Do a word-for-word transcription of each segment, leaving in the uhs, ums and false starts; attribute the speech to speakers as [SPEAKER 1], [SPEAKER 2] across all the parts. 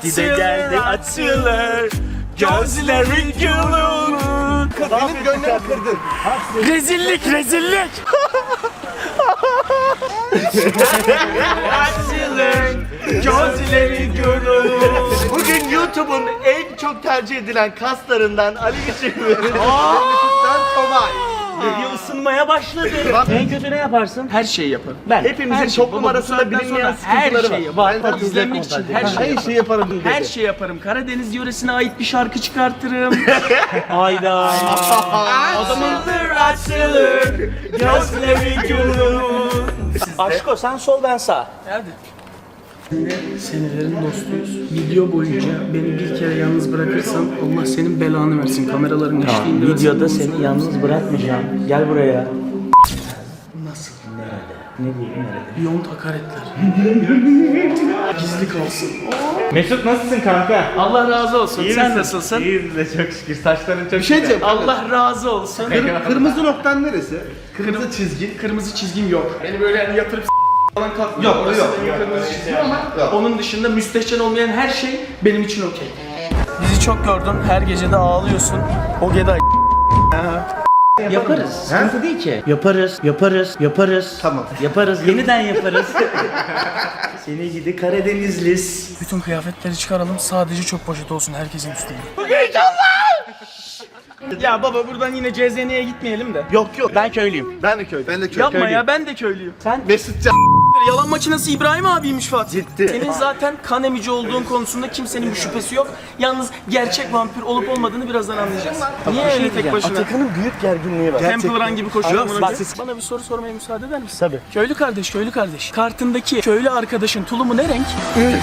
[SPEAKER 1] Açılır, geldi açılır. Gözleri gülür.
[SPEAKER 2] Benim gönlümü kırdın.
[SPEAKER 1] Rezillik, rezillik. Açılır, gözleri gülür.
[SPEAKER 2] Bugün YouTube'un en çok tercih edilen kaslarından Ali Biçim'in YouTube'dan Tomay.
[SPEAKER 1] Video ısınmaya başladı. En kötü ne yaparsın? Her şeyi yaparım. Ben.
[SPEAKER 2] Hepimizin
[SPEAKER 1] Her şey-
[SPEAKER 2] toplum
[SPEAKER 1] baba, bu
[SPEAKER 2] arasında
[SPEAKER 1] saatten
[SPEAKER 2] bilinmeyen
[SPEAKER 1] sonra her
[SPEAKER 2] sıkıntıları
[SPEAKER 1] şeyi
[SPEAKER 2] var.
[SPEAKER 1] var. İzlenmek için her şeyi
[SPEAKER 2] Her
[SPEAKER 1] yaparım.
[SPEAKER 2] şeyi yaparım dedi.
[SPEAKER 1] Her şey yaparım. Karadeniz yöresine ait bir şarkı çıkartırım. Ayda. O zaman açılır, gözleri gülür. Aşko sen sol ben sağ. Hadi. Senelerin dostuyuz. Video boyunca beni bir kere yalnız bırakırsan Allah senin belanı versin. Kameraların eşliğinde.
[SPEAKER 3] Videoda seni yalnız bırakmayacağım. Gel buraya.
[SPEAKER 1] Nasıl?
[SPEAKER 3] Ne diyeyim nerede?
[SPEAKER 1] Beyond hakaretler. Gizli kalsın.
[SPEAKER 4] Mesut nasılsın kanka?
[SPEAKER 1] Allah razı olsun. Sen nasılsın?
[SPEAKER 4] İyiyiz de çok şükür. Saçların çok
[SPEAKER 2] Bir şey diyeceğim.
[SPEAKER 1] Allah razı olsun.
[SPEAKER 2] Kır- Kırmızı noktan neresi? Kırmızı çizgi.
[SPEAKER 1] Kırmızı çizgim yok. Beni böyle yani yatırıp s- falan kalkmıyor.
[SPEAKER 2] Yok,
[SPEAKER 1] Orası
[SPEAKER 2] yok,
[SPEAKER 1] benim
[SPEAKER 2] yok.
[SPEAKER 1] kırmızı çizgim ama
[SPEAKER 2] Yok.
[SPEAKER 1] onun dışında müstehcen olmayan her şey benim için okey. Bizi çok gördün. Her gece de ağlıyorsun. O geda.
[SPEAKER 3] Yaparız. Sıkıntı değil ki. Yaparız, yaparız, yaparız.
[SPEAKER 2] Tamam.
[SPEAKER 3] Yaparız, yeniden yaparız. Seni gidi Karadenizlis.
[SPEAKER 1] Bütün kıyafetleri çıkaralım. Sadece çok poşet olsun herkesin üstünde. Ya baba buradan yine C Z N'ye gitmeyelim de.
[SPEAKER 2] Yok yok.
[SPEAKER 3] Ben köylüyüm.
[SPEAKER 2] Ben de köy. Ben de köy.
[SPEAKER 1] Yapma ya ben de köylüyüm.
[SPEAKER 2] Mesut Can.
[SPEAKER 1] Yalan makinesi İbrahim abiymiş Fatih.
[SPEAKER 2] Ciddi.
[SPEAKER 1] Senin zaten kan emici olduğun konusunda kimsenin bir şüphesi yok. Yalnız gerçek vampir olup olmadığını birazdan anlayacağız. Niye öyle tek başına?
[SPEAKER 2] Atakan'ın büyük gerginliği var.
[SPEAKER 1] Temple Run gibi koşuyor.
[SPEAKER 3] Yok,
[SPEAKER 1] amına
[SPEAKER 3] bak
[SPEAKER 1] koyayım.
[SPEAKER 3] siz-
[SPEAKER 1] Bana bir soru sormaya müsaade eder misin?
[SPEAKER 3] Tabii.
[SPEAKER 1] Köylü kardeş, köylü kardeş. Kartındaki köylü arkadaşın tulumu ne renk?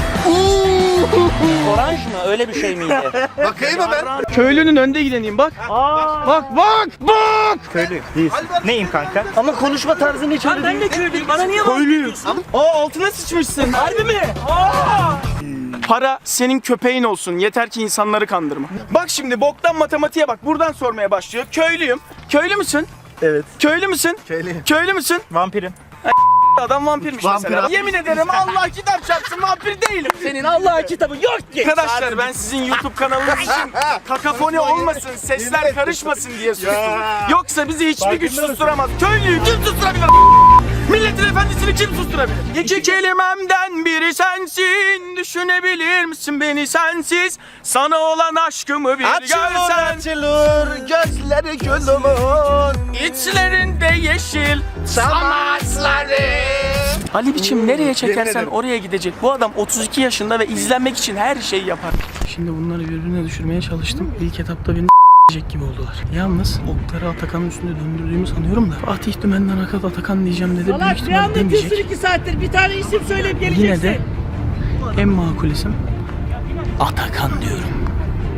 [SPEAKER 3] Oranj mı? Öyle bir şey miydi?
[SPEAKER 2] Bakayım mı ben?
[SPEAKER 1] Köylünün önde gideneyim bak. Bak bak bak.
[SPEAKER 3] Köylü. Değilsin. Neyim kanka? Ama konuşma tarzın hiç öyle
[SPEAKER 1] Ben
[SPEAKER 3] değil.
[SPEAKER 1] de köylüyüm. Bana niye bakıyorsun? Aa altına sıçmışsın. Harbi mi? Aa! Para senin köpeğin olsun. Yeter ki insanları kandırma. Bak şimdi boktan matematiğe bak. Buradan sormaya başlıyor. Köylüyüm. Köylü müsün?
[SPEAKER 2] Evet.
[SPEAKER 1] Köylü müsün?
[SPEAKER 2] Köylüyüm.
[SPEAKER 1] Köylü müsün?
[SPEAKER 3] Vampirim.
[SPEAKER 1] Adam vampirmiş
[SPEAKER 2] Vampir
[SPEAKER 1] mesela.
[SPEAKER 2] abi.
[SPEAKER 1] Yemin ederim Allah kitap çarpsın vampir değilim. Senin Allah kitabı yok ki. Arkadaşlar ben sizin YouTube kanalınız için kakafoni olmasın, sesler karışmasın diye sustum. Yoksa bizi hiçbir güç susturamaz. Köylüyü kim susturabilir? Milletin efendisini kim susturabilir? İki kelimemden biri sensin. Düşünebilir misin beni sensiz? Sana olan aşkımı bir görsen.
[SPEAKER 2] açılır gözleri gülümün.
[SPEAKER 1] İçlerinde yeşil
[SPEAKER 2] Samaçları.
[SPEAKER 1] Ali biçim nereye çekersen
[SPEAKER 2] ederim.
[SPEAKER 1] oraya gidecek. Bu adam otuz iki yaşında ve izlenmek için her şeyi yapar. Şimdi bunları birbirine düşürmeye çalıştım. İlk etapta beni s**ecek gibi oldular. Yalnız okları Atakan'ın üstünde döndürdüğümü sanıyorum da Fatih Dümen'den Akat Atakan diyeceğim dedi. Büyük
[SPEAKER 5] Salak ne
[SPEAKER 1] ihtimal
[SPEAKER 5] anlatıyorsun
[SPEAKER 1] demeyecek.
[SPEAKER 5] iki saattir? Bir tane isim söyleyip geleceksin.
[SPEAKER 1] Yine de en makul isim Atakan diyorum.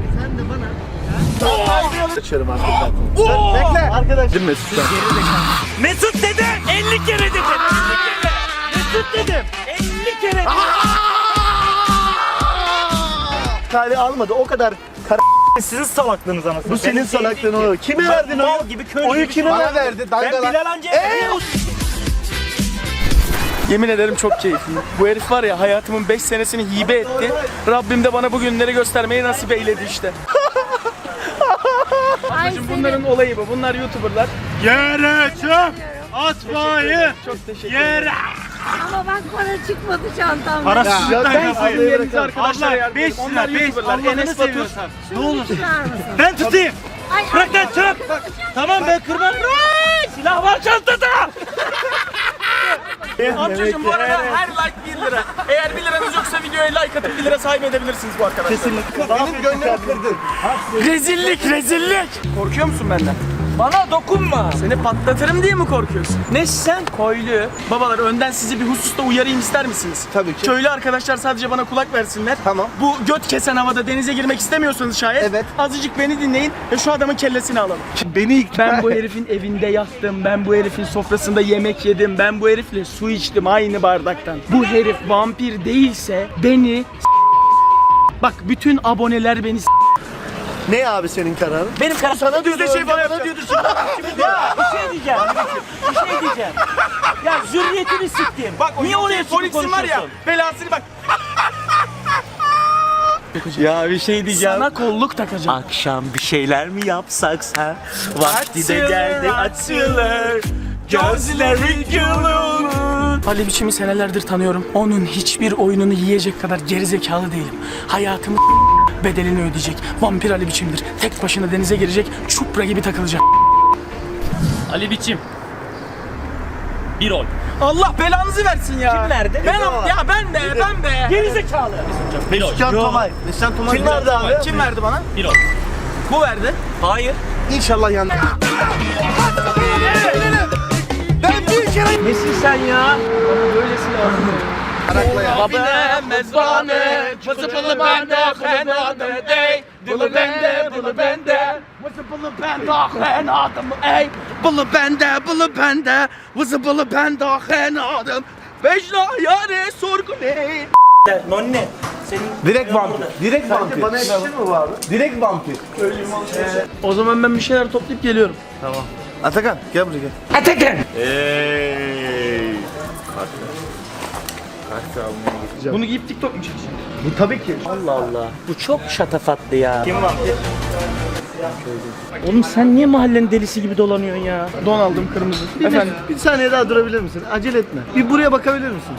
[SPEAKER 2] Açıyorum artık zaten. Bekle. Arkadaş. Değil mi Mesut Can?
[SPEAKER 5] Mesut dedim. elli kere dedim. elli kere. Mesut dedim. elli kere dedim.
[SPEAKER 3] Kale almadı. O kadar kara sizin salaklığınız anasını.
[SPEAKER 2] Bu senin salaklığın o. Kime verdin
[SPEAKER 3] Mal
[SPEAKER 2] oyu?
[SPEAKER 3] gibi köylü
[SPEAKER 2] Oyu
[SPEAKER 3] gibi
[SPEAKER 2] kime
[SPEAKER 3] bana
[SPEAKER 2] verdi?
[SPEAKER 3] Ben
[SPEAKER 2] Dangalan.
[SPEAKER 3] Bilal Hancı.
[SPEAKER 1] Yemin ederim çok keyifli. Bu herif var ya hayatımın beş senesini hibe etti. Rabbim de bana bu günleri göstermeyi nasip eyledi işte. Ablacığım bunların olayı bu. Bunlar YouTuber'lar.
[SPEAKER 4] Yere çöp atmayı.
[SPEAKER 1] Çok teşekkür
[SPEAKER 4] Yere.
[SPEAKER 1] ederim.
[SPEAKER 5] Ama bak para çıkmadı çantamdan.
[SPEAKER 4] Parasızlıktan
[SPEAKER 1] Ben
[SPEAKER 4] kafayı.
[SPEAKER 1] sizin yerinize arkadaşlara
[SPEAKER 4] Allah
[SPEAKER 1] yardım
[SPEAKER 4] beş
[SPEAKER 1] ederim. Onlar
[SPEAKER 4] lira beş.
[SPEAKER 1] YouTuber'lar.
[SPEAKER 4] Allah'ını
[SPEAKER 1] Enes Batur.
[SPEAKER 4] seviyorsan.
[SPEAKER 5] Ne olursun?
[SPEAKER 4] Ben tutayım.
[SPEAKER 5] Ay,
[SPEAKER 4] Bırak lan çöp. Tamam ben kırmam.
[SPEAKER 1] Silah var çantada. Amcacığım bu arada her like bir lira. Eğer bir liranız yoksa videoya like atıp bir lira sahibi edebilirsiniz bu arkadaşlar.
[SPEAKER 2] Benim gönlümü kırdın.
[SPEAKER 1] Rezillik rezillik. Korkuyor musun benden? Bana dokunma. Seni patlatırım diye mi korkuyorsun? Ne sen? Köylü. Babalar önden sizi bir hususta uyarayım ister misiniz?
[SPEAKER 2] Tabii ki.
[SPEAKER 1] Köylü arkadaşlar sadece bana kulak versinler.
[SPEAKER 2] Tamam.
[SPEAKER 1] Bu göt kesen havada denize girmek istemiyorsanız şayet.
[SPEAKER 2] Evet.
[SPEAKER 1] Azıcık beni dinleyin ve şu adamın kellesini alalım.
[SPEAKER 2] Beni ikna.
[SPEAKER 1] Ben bu herifin evinde yattım, ben bu herifin sofrasında yemek yedim, ben bu herifle su içtim aynı bardaktan. Bu herif vampir değilse beni s- Bak bütün aboneler beni s-
[SPEAKER 2] Ne abi senin kararın?
[SPEAKER 3] Benim karım
[SPEAKER 2] Sana diyordu.
[SPEAKER 1] de şey
[SPEAKER 2] önce
[SPEAKER 1] bana
[SPEAKER 2] bana
[SPEAKER 1] yapacak.
[SPEAKER 2] diyordu. Şimdi
[SPEAKER 3] Ya bir şey diyeceğim. Bir şey diyeceğim. Ya zürriyetini siktim.
[SPEAKER 1] Bak o
[SPEAKER 3] Niye oraya
[SPEAKER 1] Polix'in
[SPEAKER 3] çıkıp
[SPEAKER 1] var ya
[SPEAKER 3] konuşuyorsun?
[SPEAKER 1] belasını bak.
[SPEAKER 2] Ya bir şey diyeceğim.
[SPEAKER 1] Sana kolluk takacağım.
[SPEAKER 5] Akşam bir şeyler mi yapsak ha? Vakti de geldi açılır. Gözleri gülür.
[SPEAKER 1] Ali Biçim'i senelerdir tanıyorum. Onun hiçbir oyununu yiyecek kadar gerizekalı değilim. Hayatımı bedelini ödeyecek. Vampir Ali Biçim'dir. Tek başına denize girecek, çupra gibi takılacak.
[SPEAKER 6] Ali Biçim. Bir oy.
[SPEAKER 1] Allah belanızı versin ya.
[SPEAKER 6] Kim verdi?
[SPEAKER 1] Ben ya ben be ben be.
[SPEAKER 6] Gerizekalı. Bir oy.
[SPEAKER 2] Can Tomay. Can Tomay. Kim verdi abi?
[SPEAKER 1] Kim verdi bana?
[SPEAKER 6] Bir oy.
[SPEAKER 1] Bu verdi.
[SPEAKER 6] Hayır.
[SPEAKER 2] İnşallah yandı.
[SPEAKER 1] Nesin sen ya? Böylesi lazım.
[SPEAKER 2] Arakla ya.
[SPEAKER 1] Baba mezbane, fısıpılı bende, fenade dey. Bılı bende, bılı bende. Fısıpılı bende, fenadım ey. Bılı bende, bılı bende. Fısıpılı bende, fenadım. Vecna yâre sorgu ey.
[SPEAKER 5] Nonne.
[SPEAKER 2] Direkt vampir. Direkt vampir. Bana yakışır mı bu abi? Direkt vampir.
[SPEAKER 1] O zaman ben bir şeyler toplayıp geliyorum.
[SPEAKER 2] Atakan gel buraya gel.
[SPEAKER 1] Atakan. Bunu giyip TikTok mu çekeceksin?
[SPEAKER 2] Bu tabii ki.
[SPEAKER 5] Allah Allah. Bu çok şatafatlı ya.
[SPEAKER 2] Kim vampir?
[SPEAKER 5] Oğlum sen niye mahallenin delisi gibi dolanıyorsun ya?
[SPEAKER 1] Don aldım kırmızı.
[SPEAKER 2] Bir,
[SPEAKER 1] Efendim.
[SPEAKER 2] bir saniye daha durabilir misin? Acele etme. Bir buraya bakabilir misin?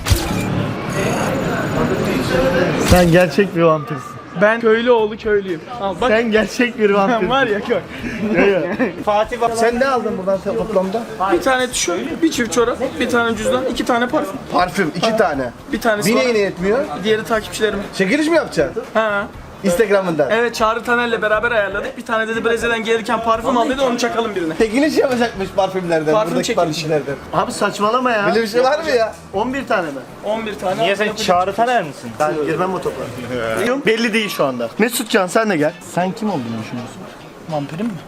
[SPEAKER 2] Sen gerçek bir vampirsin.
[SPEAKER 1] Ben köylü oğlu köylüyüm. Al bak.
[SPEAKER 2] Sen gerçek bir vampirsin.
[SPEAKER 1] Var ya köy.
[SPEAKER 5] Fatih bak.
[SPEAKER 2] Sen ne aldın buradan toplamda?
[SPEAKER 1] Bir tane tişört, bir çift çorap, bir tane cüzdan, iki tane parfüm.
[SPEAKER 2] Parfüm iki tane.
[SPEAKER 1] Bir tanesi
[SPEAKER 2] Bir
[SPEAKER 1] var.
[SPEAKER 2] neyine yetmiyor?
[SPEAKER 1] Diğeri takipçilerim.
[SPEAKER 2] Çekiliş mi yapacaksın?
[SPEAKER 1] Ha.
[SPEAKER 2] Instagram'ından.
[SPEAKER 1] Evet Çağrı Taner'le beraber ayarladık. Bir tane dedi Brezilya'dan gelirken parfüm al dedi onu çakalım birine.
[SPEAKER 2] Çekiliş yapacakmış parfümlerden.
[SPEAKER 1] Parfüm
[SPEAKER 2] buradaki
[SPEAKER 1] çekilişi.
[SPEAKER 2] parfümlerden. Abi saçmalama ya. Böyle bir şey var mı ya? on bir tane mi?
[SPEAKER 1] on bir tane.
[SPEAKER 5] Niye sen Çağrı Taner misin?
[SPEAKER 2] Ben girmem o topa. Belli değil şu anda. Mesutcan sen de gel. Sen kim olduğunu düşünüyorsun?
[SPEAKER 1] Vampirim mi?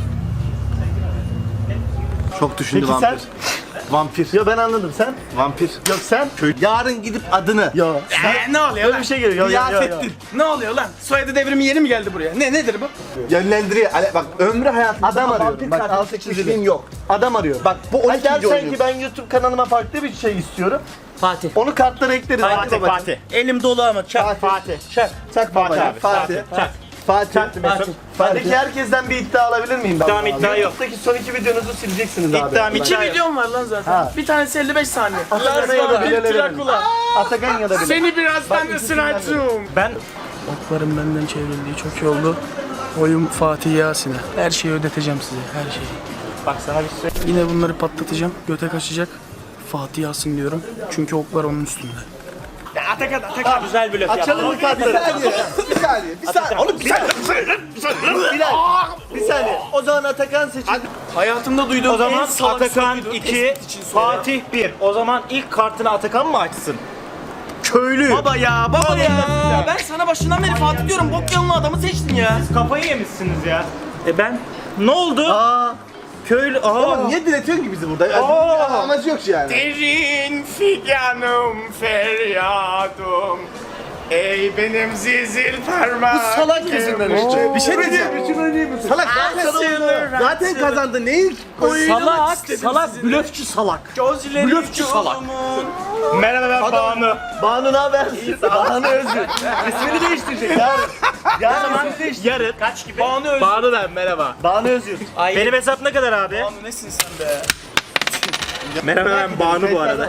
[SPEAKER 2] Çok düşündü
[SPEAKER 5] Peki
[SPEAKER 2] vampir.
[SPEAKER 5] sen?
[SPEAKER 2] Vampir. Ya ben anladım sen. Vampir. Yok sen. Yarın gidip adını. Ya.
[SPEAKER 1] Ee, ne oluyor
[SPEAKER 2] Öyle
[SPEAKER 1] lan?
[SPEAKER 2] bir şey geliyor. Ya, ya, ya, ya.
[SPEAKER 1] Kıyafettin. Ne oluyor lan? Soyadı devrimi yeni mi geldi buraya? Ne nedir bu?
[SPEAKER 2] Yönlendiriyor. Ale- Bak ömrü hayatında adam arıyorum. Bak altı kişiliğim yok. Adam arıyorum. Bak bu on iki
[SPEAKER 5] dersen
[SPEAKER 2] dersen
[SPEAKER 5] ki
[SPEAKER 2] ki ben YouTube kanalıma farklı bir şey istiyorum.
[SPEAKER 5] Fatih.
[SPEAKER 2] Onu kartlara ekleriz.
[SPEAKER 5] Fatih,
[SPEAKER 2] babacığım.
[SPEAKER 5] Fatih. Elim dolu ama çak.
[SPEAKER 2] Fatih.
[SPEAKER 5] Fatih. Çak.
[SPEAKER 2] Çak babacığım.
[SPEAKER 5] abi,
[SPEAKER 2] Fatih.
[SPEAKER 5] Çak.
[SPEAKER 2] Fatih.
[SPEAKER 5] Çak Mesut.
[SPEAKER 2] Peki herkesten bir iddia alabilir miyim ben?
[SPEAKER 5] İddiam, iddia yok.
[SPEAKER 2] YouTube'daki son iki videonuzu sileceksiniz abi.
[SPEAKER 5] İddiam,
[SPEAKER 1] İki
[SPEAKER 5] iddia yok.
[SPEAKER 1] videom var lan zaten.
[SPEAKER 2] Ha.
[SPEAKER 1] Bir tanesi elli beş saniye.
[SPEAKER 2] Atakan'a ya da
[SPEAKER 1] bir
[SPEAKER 2] Bilal'e verin.
[SPEAKER 1] Drakula.
[SPEAKER 2] Atakan ya da Bilal.
[SPEAKER 1] Seni birazdan
[SPEAKER 2] Bak,
[SPEAKER 1] ısıracağım.
[SPEAKER 5] Ben
[SPEAKER 1] Oklarım benden çevrildiği çok iyi oldu. Oyun Fatih Yasin'e. Her şeyi ödeteceğim size, her şeyi.
[SPEAKER 5] bak sana bir şey.
[SPEAKER 1] Yine bunları patlatacağım, göte kaçacak. Fatih Yasin diyorum. Çünkü oklar onun üstünde.
[SPEAKER 5] Atakan Atakan güzel bir laf
[SPEAKER 2] Açalım mı kartları? Bir saniye. Bir saniye. Bir saniye. Oğlum bir saniye. Bilal. Bir saniye. O zaman Atakan seçildi.
[SPEAKER 1] Hayatımda duyduğum
[SPEAKER 5] O zaman
[SPEAKER 1] en salak
[SPEAKER 5] Atakan
[SPEAKER 1] soruydu.
[SPEAKER 5] iki,
[SPEAKER 1] Tespit için soru.
[SPEAKER 5] Fatih bir. O zaman ilk kartını Atakan mı açsın? Köylü.
[SPEAKER 1] Baba ya, baba ya. Ben sana başından beri Fatih diyorum. Bok yanlı adamı seçtin ya.
[SPEAKER 5] Kafayı yemişsiniz ya. E ben? Ne oldu?
[SPEAKER 2] Aa.
[SPEAKER 5] Köylü. Aa.
[SPEAKER 2] Oğlum niye diretiyorsun ki bizi burada? Yani
[SPEAKER 5] Aa.
[SPEAKER 2] amacı yok yani.
[SPEAKER 1] Derin figanım feryadım. Ey benim zizil parmağım.
[SPEAKER 2] Bu salak yüzünden işte. Bir şey diyeceğim. Salak zaten kazandı. Zaten kazandı. Neyi?
[SPEAKER 5] Salak, salak, blöfçü salak.
[SPEAKER 1] Gözleri
[SPEAKER 5] Blöfçü salak.
[SPEAKER 1] yolumun.
[SPEAKER 5] Merhaba ben Banu.
[SPEAKER 2] Banu ne haber? Banu Özgür. İsmini değiştirecek. Yarın. Yarın ismini değiştirecek.
[SPEAKER 5] Yarın kaç gibi?
[SPEAKER 1] Banu Özgür.
[SPEAKER 5] Banu ben merhaba.
[SPEAKER 2] Banu Özgür.
[SPEAKER 5] Benim hesap ne kadar abi?
[SPEAKER 1] Banu nesin sen be?
[SPEAKER 5] Merhaba ben Banu bu arada.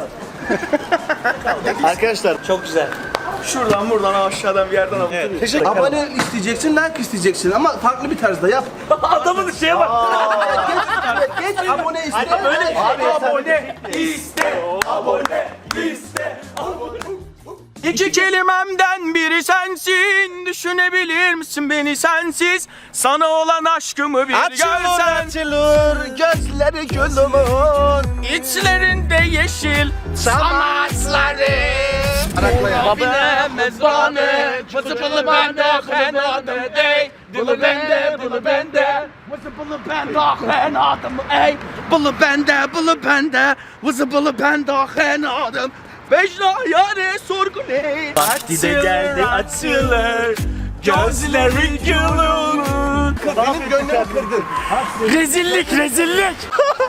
[SPEAKER 2] Arkadaşlar
[SPEAKER 5] Çok güzel.
[SPEAKER 1] Şuradan buradan aşağıdan bir yerden alıp
[SPEAKER 2] teşekkür Abone isteyeceksin, like isteyeceksin ama farklı bir tarzda yap.
[SPEAKER 5] Adamın şeye bak.
[SPEAKER 2] Geç, geç abone iste.
[SPEAKER 5] Hadi böyle
[SPEAKER 2] Abi
[SPEAKER 1] abone iste, abone iste, abone. İki kelimemden biri sensin. Düşünebilir misin beni sensiz? Sana olan aşkımı bir görsen.
[SPEAKER 2] açılır gözleri gülümün.
[SPEAKER 1] İçlerinde yeşil samaçları.
[SPEAKER 2] Arakla ya.
[SPEAKER 1] Babine mezbane, vızıpılı bende, fenadım ey. Bılı bende, bılı bende, vızıpılı bende, fenadım ey. Bılı bende, bılı bende, vızıpılı bende, fenadım. Vecna yâre sorgu ne?
[SPEAKER 5] Vakti de geldi açılır. Gözleri gülür.
[SPEAKER 2] Benim gönlümü kırdın.
[SPEAKER 1] Rezillik, rezillik.